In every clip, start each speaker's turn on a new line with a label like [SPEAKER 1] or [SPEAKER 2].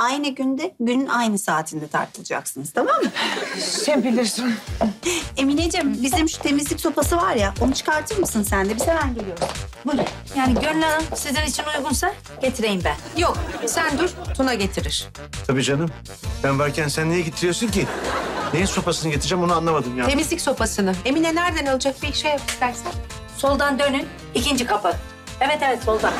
[SPEAKER 1] aynı günde, günün aynı saatinde tartılacaksınız, tamam mı?
[SPEAKER 2] Sen bilirsin.
[SPEAKER 1] Emineciğim, bizim şu temizlik sopası var ya, onu çıkartır mısın sen de? Biz hemen geliyoruz. Buyurun.
[SPEAKER 3] Yani Gönül Hanım sizin için uygunsa getireyim ben.
[SPEAKER 2] Yok, sen dur, Tuna getirir.
[SPEAKER 4] Tabii canım. Ben varken sen niye getiriyorsun ki? Neyin sopasını getireceğim onu anlamadım ya.
[SPEAKER 2] Temizlik sopasını. Emine nereden alacak bir şey yap istersen.
[SPEAKER 3] Soldan dönün, ikinci kapı. Evet evet soldan.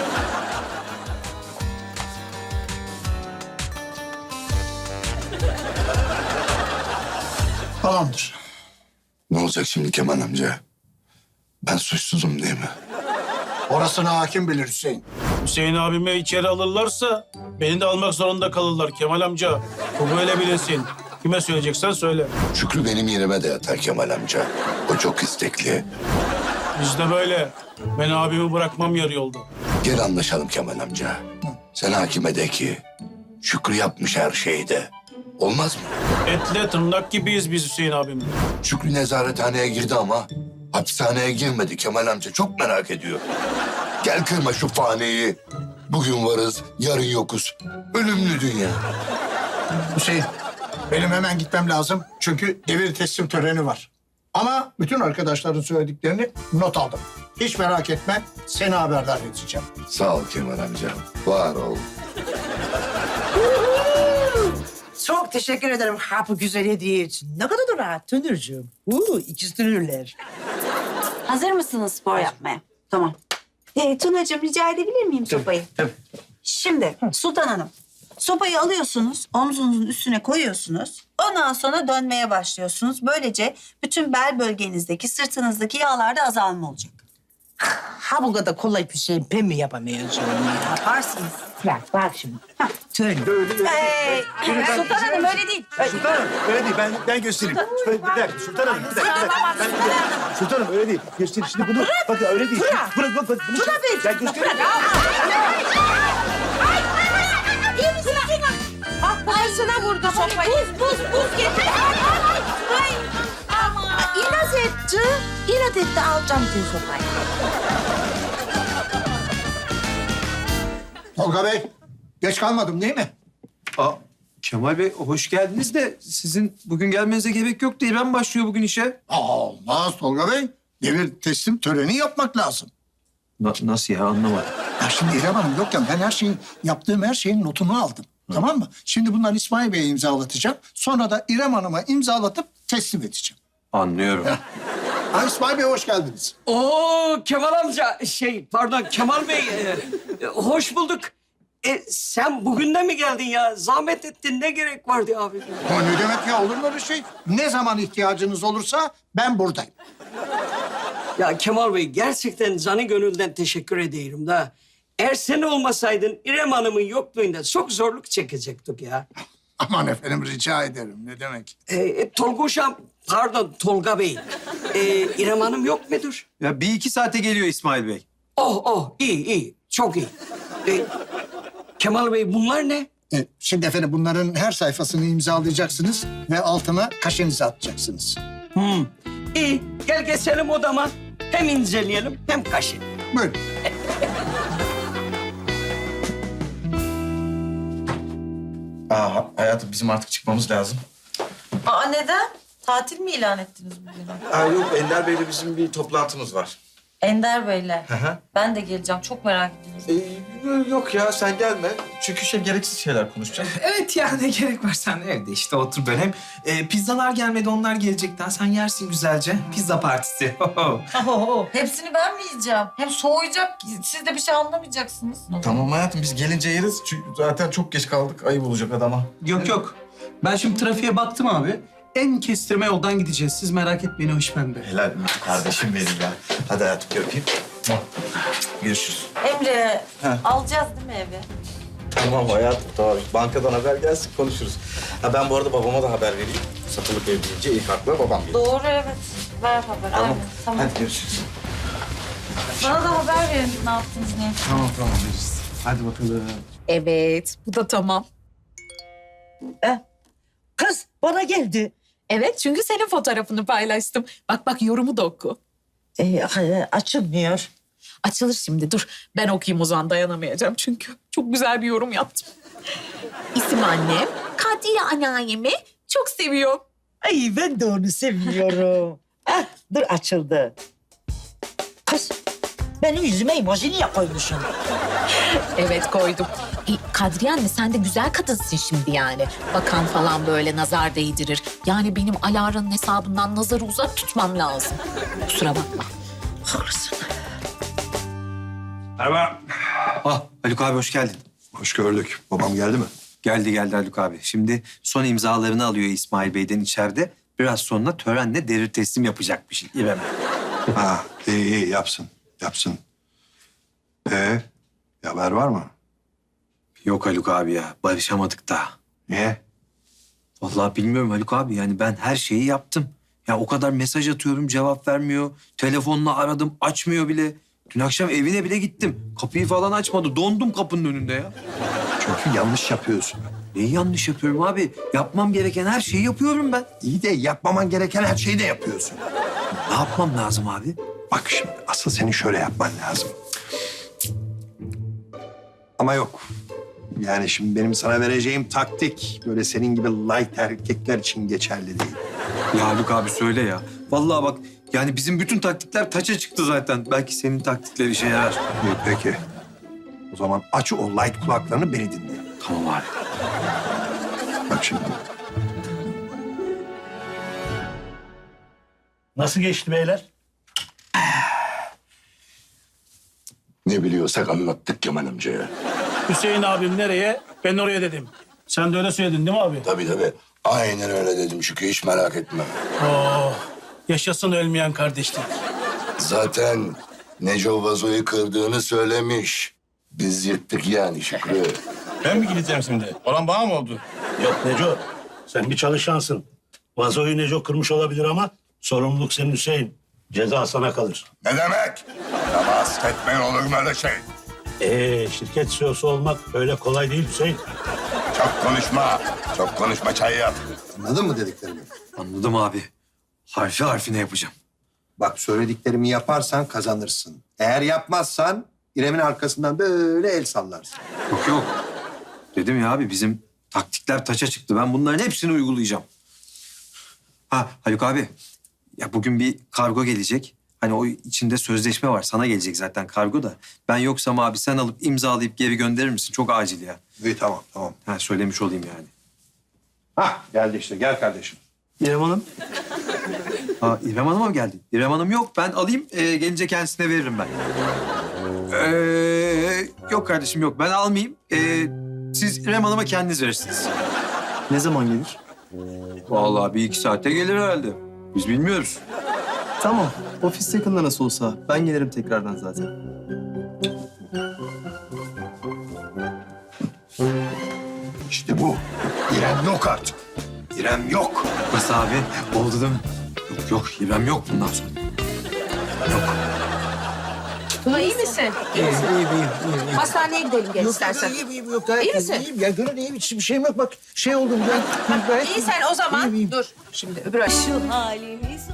[SPEAKER 5] Tamamdır.
[SPEAKER 6] Ne olacak şimdi Kemal amca? Ben suçsuzum değil mi?
[SPEAKER 5] Orasını hakim bilir Hüseyin.
[SPEAKER 7] Hüseyin abime içeri alırlarsa beni de almak zorunda kalırlar Kemal amca. Bu böyle bilinsin. Kime söyleyeceksen söyle.
[SPEAKER 6] Şükrü benim yerime de yatar Kemal amca. O çok istekli.
[SPEAKER 7] Biz de böyle. Ben abimi bırakmam yarı yolda.
[SPEAKER 6] Gel anlaşalım Kemal amca. Sen hakime de ki Şükrü yapmış her şeyi de. Olmaz mı?
[SPEAKER 7] Etle tırnak gibiyiz biz Hüseyin abimle.
[SPEAKER 6] Şükrü nezarethaneye girdi ama hapishaneye girmedi Kemal amca. Çok merak ediyor. Gel kırma şu faniyi. Bugün varız, yarın yokuz. Ölümlü dünya.
[SPEAKER 5] Hüseyin, benim hemen gitmem lazım. Çünkü devir teslim töreni var. Ama bütün arkadaşların söylediklerini not aldım. Hiç merak etme, seni haberdar edeceğim.
[SPEAKER 6] Sağ ol Kemal amca. Var ol.
[SPEAKER 8] Çok teşekkür ederim ha bu güzel hediye için. Ne kadar da rahat Tönürcüğüm. İkizdirirler.
[SPEAKER 1] Hazır mısınız spor yapmaya? Tamam. Tunacığım, rica edebilir miyim sopayı?
[SPEAKER 4] Tabii.
[SPEAKER 1] Şimdi Sultan Hanım, sopayı alıyorsunuz, omzunuzun üstüne koyuyorsunuz. Ondan sonra dönmeye başlıyorsunuz. Böylece bütün bel bölgenizdeki, sırtınızdaki yağlarda azalma olacak.
[SPEAKER 8] Ha bu kadar kolay bir şey ben mi yapamayacağım ya?
[SPEAKER 1] Yaparsınız.
[SPEAKER 8] Bak şimdi. Tön.
[SPEAKER 1] Sultan Hanım öyle değil.
[SPEAKER 4] Sultan Hanım öyle değil. Ben göstereyim. Bir dakika Sultan Hanım. Bir dakika. Sultan Hanım öyle değil. Göstereyim. Şimdi bunu bakın öyle değil. Bırak. Bunu ben göstereyim.
[SPEAKER 2] Ay sana vurdu sopayı.
[SPEAKER 1] Buz getir. Ay.
[SPEAKER 8] İnat etti. İnat etti alacağım diyor sopayı.
[SPEAKER 5] Tolga Bey, geç kalmadım değil mi?
[SPEAKER 9] Aa, Kemal Bey hoş geldiniz de sizin bugün gelmenize gerek yok değil. Ben başlıyor bugün işe.
[SPEAKER 5] Olmaz Tolga Bey. Devir teslim töreni yapmak lazım.
[SPEAKER 9] Nasıl ya anlamadım.
[SPEAKER 5] Ya şimdi İrem Hanım yokken ben yaptığım her şeyin notunu aldım. Tamam mı? Şimdi bunları İsmail Bey'e imzalatacağım. Sonra da İrem Hanım'a imzalatıp teslim edeceğim.
[SPEAKER 9] Anlıyorum.
[SPEAKER 5] Ha, İsmail Bey hoş geldiniz.
[SPEAKER 10] Oo Kemal amca pardon Kemal Bey hoş bulduk. Sen bugün de mi geldin ya? Zahmet ettin ne gerek vardı abi?
[SPEAKER 5] O ne demek ya, olur mu öyle şey? Ne zaman ihtiyacınız olursa ben buradayım.
[SPEAKER 10] Ya Kemal Bey gerçekten canı gönülden teşekkür ederim da. Eğer sen olmasaydın İrem Hanım'ın yokluğunda çok zorluk çekecektik ya.
[SPEAKER 5] Aman efendim rica ederim, ne demek?
[SPEAKER 10] Tolga Bey. İrem Hanım yok mudur?
[SPEAKER 9] Ya bir iki saate geliyor İsmail Bey.
[SPEAKER 10] iyi çok iyi. Kemal Bey bunlar ne?
[SPEAKER 5] Şimdi efendim bunların her sayfasını imzalayacaksınız ve altına kaşenizi atacaksınız.
[SPEAKER 10] İyi gel geçelim odama. Hem inceleyelim hem kaşıyalım.
[SPEAKER 5] Buyurun.
[SPEAKER 4] Hayatım bizim artık çıkmamız lazım.
[SPEAKER 11] Aa neden? Tatil mi ilan ettiniz bugün?
[SPEAKER 4] Yok Ender Bey'le bizim bir toplantımız var.
[SPEAKER 11] Ender Bey'le.
[SPEAKER 4] hı.
[SPEAKER 11] Ben de geleceğim. Çok merak ediyorum.
[SPEAKER 4] Yok ya sen gelme. Çünkü gereksiz şeyler konuşacağız.
[SPEAKER 12] Evet ya ne gerek var, sen evde işte otur ben hem. Pizzalar gelmedi, onlar gelecekten sen yersin güzelce. Pizza partisi.
[SPEAKER 11] Hepsini ben mi yiyeceğim? Hem soğuyacak. Siz de bir şey anlamayacaksınız.
[SPEAKER 4] Tamam hayatım biz gelince yeriz. Çünkü zaten çok geç kaldık. Ayıp olacak adama.
[SPEAKER 12] Yok. Ben şimdi trafiğe baktım abi. En kestirme yoldan gideceğiz. Siz merak etmeyin, o iş bende.
[SPEAKER 4] Helal kardeşim benim ya. Hadi hayatım bir öpeyim. Görüşürüz.
[SPEAKER 11] Emre, alacağız değil mi evi?
[SPEAKER 4] Tamam hayatım tamam. Bankadan haber gelsin konuşuruz. Ben bu arada babama da haber vereyim. Satılık ev deyince ilk akla babam geliyor.
[SPEAKER 11] Doğru evet. Ver haber.
[SPEAKER 4] Tamam.
[SPEAKER 11] Aynen. Tamam.
[SPEAKER 4] Hadi görüşürüz.
[SPEAKER 11] Bana da haber verin ne yaptınız ne.
[SPEAKER 4] Tamam veririz. Hadi bakalım.
[SPEAKER 2] Evet, bu da tamam.
[SPEAKER 8] Kız bana geldi.
[SPEAKER 2] Evet, çünkü senin fotoğrafını paylaştım. Bak yorumu da oku.
[SPEAKER 8] Açılmıyor.
[SPEAKER 2] Açılır şimdi, dur. Ben okuyayım o zaman, dayanamayacağım çünkü. Çok güzel bir yorum yaptım. İsim Benim annem Kadriye anneannemi çok seviyor.
[SPEAKER 8] Ay ben de onu seviyorum. Ah, dur açıldı. Kız benim yüzüme emoji niye koymuşsun?
[SPEAKER 2] Evet koydum. Kadriye anne sen de güzel kadınsın şimdi yani. Bakan falan böyle nazar değdirir. Yani benim Alara'nın hesabından nazarı uzak tutmam lazım. Kusura bakma.
[SPEAKER 8] Haklısın.
[SPEAKER 6] Merhaba.
[SPEAKER 9] Ah Haluk abi hoş geldin.
[SPEAKER 6] Hoş gördük. Babam geldi mi?
[SPEAKER 9] Geldi Haluk abi. Şimdi son imzalarını alıyor İsmail Bey'den içeride. Biraz sonra törenle devir teslim yapacakmış İrem'e.
[SPEAKER 6] Ha, iyi yapsın. Yapsın. Bir haber var mı?
[SPEAKER 9] Yok Haluk abi ya. Barışamadık daha.
[SPEAKER 6] Niye?
[SPEAKER 9] Vallahi bilmiyorum Haluk abi. Yani ben her şeyi yaptım. Ya o kadar mesaj atıyorum cevap vermiyor. Telefonla aradım açmıyor bile. Dün akşam evine bile gittim. Kapıyı falan açmadı. Dondum kapının önünde ya.
[SPEAKER 6] Çünkü yanlış yapıyorsun.
[SPEAKER 9] Neyi yanlış yapıyorum abi? Yapmam gereken her şeyi yapıyorum ben.
[SPEAKER 6] İyi de yapmaman gereken her şeyi de yapıyorsun.
[SPEAKER 9] Ne yapmam lazım abi?
[SPEAKER 6] Bak şimdi asıl senin şöyle yapman lazım. Ama yok. Yani şimdi benim sana vereceğim taktik böyle senin gibi light erkekler için geçerli değil.
[SPEAKER 9] Ya Haluk abi söyle ya. Vallahi bak yani bizim bütün taktikler taça çıktı zaten. Belki senin taktikler işe yarar.
[SPEAKER 6] İyi, peki. O zaman aç o light kulaklarını beni dinle.
[SPEAKER 9] Tamam abi.
[SPEAKER 6] Bak şimdi.
[SPEAKER 7] Nasıl geçti beyler?
[SPEAKER 6] Ne biliyorsak anlattık Kemal amcaya.
[SPEAKER 7] Hüseyin abim nereye? Ben oraya dedim. Sen de öyle söyledin değil mi abi?
[SPEAKER 6] Tabii. Aynen öyle dedim Şükrü, hiç merak etme.
[SPEAKER 7] Oh, yaşasın ölmeyen kardeşlik.
[SPEAKER 6] Zaten Neco vazoyu kırdığını söylemiş. Biz yırttık yani Şükrü.
[SPEAKER 7] Ben mi gideceğim şimdi? Olan bana mı oldu?
[SPEAKER 13] Yok Neco, sen bir çalışansın. Vazoyu Neco kırmış olabilir ama sorumluluk senin Hüseyin. Ceza sana kalır.
[SPEAKER 6] Ne demek? Namaz etmeyin olur mu öyle şey?
[SPEAKER 13] Şirket CEO'su olmak öyle kolay değil Hüseyin.
[SPEAKER 6] Çok konuşma çay yap. Anladın mı dediklerimi?
[SPEAKER 9] Anladım abi. Harfi harfine yapacağım.
[SPEAKER 6] Bak söylediklerimi yaparsan kazanırsın. Eğer yapmazsan İrem'in arkasından böyle el sallarsın.
[SPEAKER 9] Yok. Dedim ya abi bizim taktikler taça çıktı. Ben bunların hepsini uygulayacağım. Ha Haluk abi. Ya bugün bir kargo gelecek. Hani o içinde sözleşme var. Sana gelecek zaten kargo da. Ben yoksam abi sen alıp imzalayıp geri gönderir misin? Çok acil ya.
[SPEAKER 6] İyi tamam.
[SPEAKER 9] Ha söylemiş olayım yani.
[SPEAKER 6] Hah geldi işte, gel kardeşim.
[SPEAKER 9] İrem Hanım. Ha İrem Hanım'a mı geldi? İrem Hanım yok. Ben alayım. Gelince kendisine veririm ben. Yok kardeşim yok. Ben almayayım. Siz İrem Hanım'a kendiniz verirsiniz.
[SPEAKER 12] Ne zaman gelir?
[SPEAKER 9] Vallahi 1-2 saate gelir herhalde. Biz bilmiyoruz.
[SPEAKER 12] Tamam. Ofis yakında nasıl olsa. Ben gelirim tekrardan zaten.
[SPEAKER 6] İşte bu. İrem yok artık. İrem yok.
[SPEAKER 9] Nasıl abi? Oldu değil mi? Yok İrem yok bundan sonra.
[SPEAKER 2] Tuna iyi misin?
[SPEAKER 8] İyiyim.
[SPEAKER 2] Hastaneye gidelim gel istersen.
[SPEAKER 8] İyiyim. Yok gayet
[SPEAKER 2] İyi misin?
[SPEAKER 8] iyiyim. Ya gönül iyiyim. Hiçbir şeyim yok. Bak şey oldum ben. Gayet
[SPEAKER 2] İyi sen o zaman
[SPEAKER 8] iyiyim.
[SPEAKER 2] dur. Şimdi öbür
[SPEAKER 11] Şu halimiz